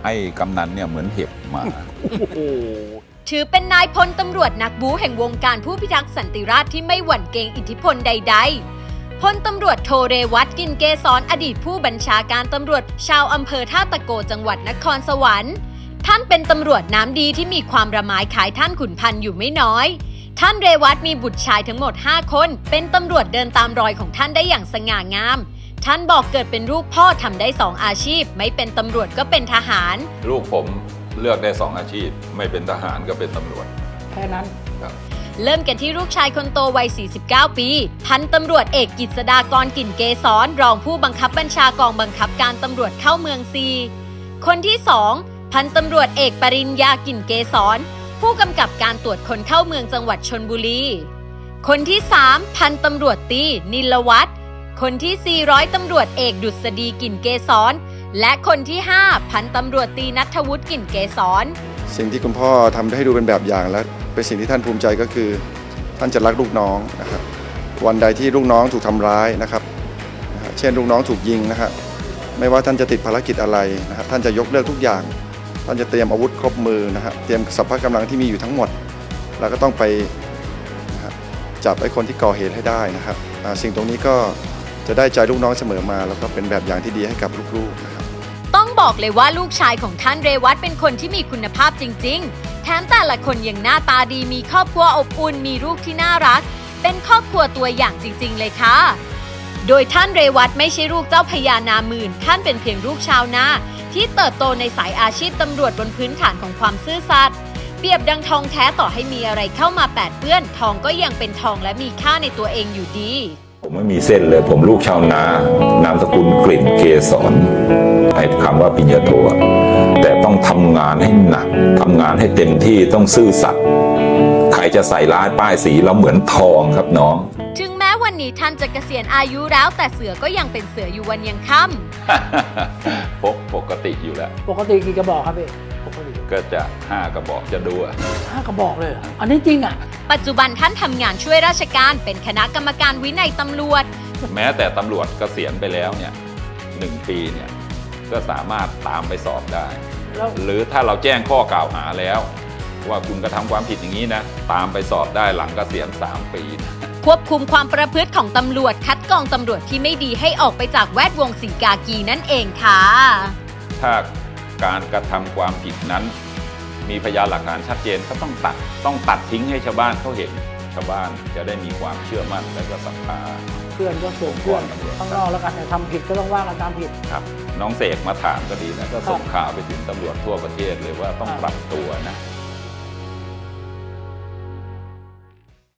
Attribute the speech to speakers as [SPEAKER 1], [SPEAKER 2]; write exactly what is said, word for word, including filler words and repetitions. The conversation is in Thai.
[SPEAKER 1] ให้กำนันเนี่ยเหมือนเห็บมา
[SPEAKER 2] ถือเป็นนายพลตำรวจนักบู๊แห่งวงการผู้พิทักษ์สันติราษฎร์ที่ไม่หวั่นเกรงอิทธิพลใดๆพลตำรวจโทเรวัตกินเกษรอดีตผู้บัญชาการตำรวจชาวอำเภอท่าตะโกจังหวัดนครสวรรค์ท่านเป็นตำรวจน้ำดีที่มีความระหมายขายท่านขุนพันธ์อยู่ไม่น้อยท่านเรวัตมีบุตรชายทั้งหมดห้าคนเป็นตำรวจเดินตามรอยของท่านได้อย่างสง่างามท่านบอกเกิดเป็นลูกพ่อทำได้สองอาชีพไม่เป็นตำรวจก็เป็นทหาร
[SPEAKER 1] ลูกผมเลือกได้สองอาชีพไม่เป็นทหารก็เป็นตำรวจ
[SPEAKER 3] แค่นั้น
[SPEAKER 1] ครับ
[SPEAKER 2] เริ่มกันที่ลูกชายคนโตวัย สี่สิบเก้า ปี พันตำรวจเอกกิษดากรกลิ่นเกษรรองผู้บังคับบัญชากองบังคับการตำรวจเข้าเมืองซีคนที่สองพันตำรวจเอกปริญญากลิ่นเกษรผู้กำกับการตรวจคนเข้าเมืองจังหวัดชลบุรีคนที่สามพันตำรวจตีนิลวัฒน์คนที่สี่ร้อยตำรวจเอกดุษฎีกลิ่นเกษรและคนที่ห้าพันตำรวจตีณัฐวุฒิกลิ่นเกษร
[SPEAKER 4] สิ่งที่คุณพ่อทำให้ดูเป็นแบบอย่างและเป็นสิ่งที่ท่านภูมิใจก็คือท่านจะรักลูกน้องนะครับวันใดที่ลูกน้องถูกทำร้ายนะครับนะฮะเช่นลูกน้องถูกยิงนะครับไม่ว่าท่านจะติดภารกิจอะไรนะครับท่านจะยกเลิกทุกอย่างท่านจะเตรียมอาวุธครบมือนะครับเตรียมสรรพกำลังที่มีอยู่ทั้งหมดแล้วก็ต้องไปนะครับจับไอ้คนที่ก่อเหตุให้ได้นะครับอ่าสิ่งตรงนี้ก็จะได้ใจลูกน้องเสมอมาแล้วก็เป็นแบบอย่างที่ดีให้กับลูกๆนะครับ
[SPEAKER 2] ต้องบอกเลยว่าลูกชายของท่านเรวัตเป็นคนที่มีคุณภาพจริงๆ แถมแต่ละคนยังหน้าตาดีมีครอบครัวอบอุ่นมีลูกที่น่ารัก เป็นครอบครัวตัวอย่างจริงๆเลยค่ะ โดยท่านเรวัตไม่ใช่ลูกเจ้าพญานาหมื่นท่านเป็นเพียงลูกชาวนาที่เติบโตในสายอาชีพตำรวจบนพื้นฐานของความซื่อสัตย์เปรียบดังทองแท้ต่อให้มีอะไรเข้ามาแปดเปื้อนทองก็ยังเป็นทองและมีค่าในตัวเองอยู่ดี
[SPEAKER 5] ผมไม่มีเส้นเลยผมลูกชาวนานามสกุลกลิ่นเกษรไอ้คำว่าปริญญาโทอะแต่ต้องทำงานให้หนักทำงานให้เต็มที่ต้องซื่อสัตย์ใครจะใส่ร้ายป้ายสีแล้วเหมือนทองครับน้อง
[SPEAKER 2] ถึงแม้วันนี้ท่านจะเกษียณอายุแล้วแต่เสือก็ยังเป็นเสืออยู่วันยังค่ำ
[SPEAKER 1] พกปกติอยู่แล้ว
[SPEAKER 3] ปกติกี่กระบอกครับพี่ปกติ
[SPEAKER 1] ก็จะห้ากระบอกจะดูอะ
[SPEAKER 3] ห้ากระบอกเลยเหรออันนี้จริงอ่ะ
[SPEAKER 2] ปัจจุบันท่านทำงานช่วยราชการเป็นคณะกรรมการวินัยตำรวจ
[SPEAKER 1] แม้แต่ตำรวจเกษียณไปแล้วเนี่ยหนึ่งปีเนี่ยก็สามารถตามไปสอบได้
[SPEAKER 3] แล้ว
[SPEAKER 1] หรือถ้าเราแจ้งข้อกล่าวหาแล้ว ว่าคุณกระทำความผิดอย่างนี้นะตามไปสอบได้หลังเกษียณสามปีนะ
[SPEAKER 2] ควบคุมความประพฤติของตำรวจคัดกรองตำรวจที่ไม่ดีให้ออกไปจากแวดวงสีกากีนั่นเองค่ะ
[SPEAKER 1] ถ้าการกระทำความผิดนั้น มีพยานหลักฐานชัดเจนก็ต้องตัดต้องตัดทิ้งให้ชาวบ้านเขาเห็นชาวบ้านจะได้มีความเชื่อมั่นและก็ศรัทธา
[SPEAKER 3] เพื่อนก็ส่งเพื่อนข้างนอกแล้วกันแต่ทำผิดก็ต้องว่ากันตามผิด
[SPEAKER 1] ครับน้องเสกมาถามก็ดีนะก็ส่งข่าวไปถึงตำรวจทั่วประเทศเลยว่าต้องปรับตัวนะ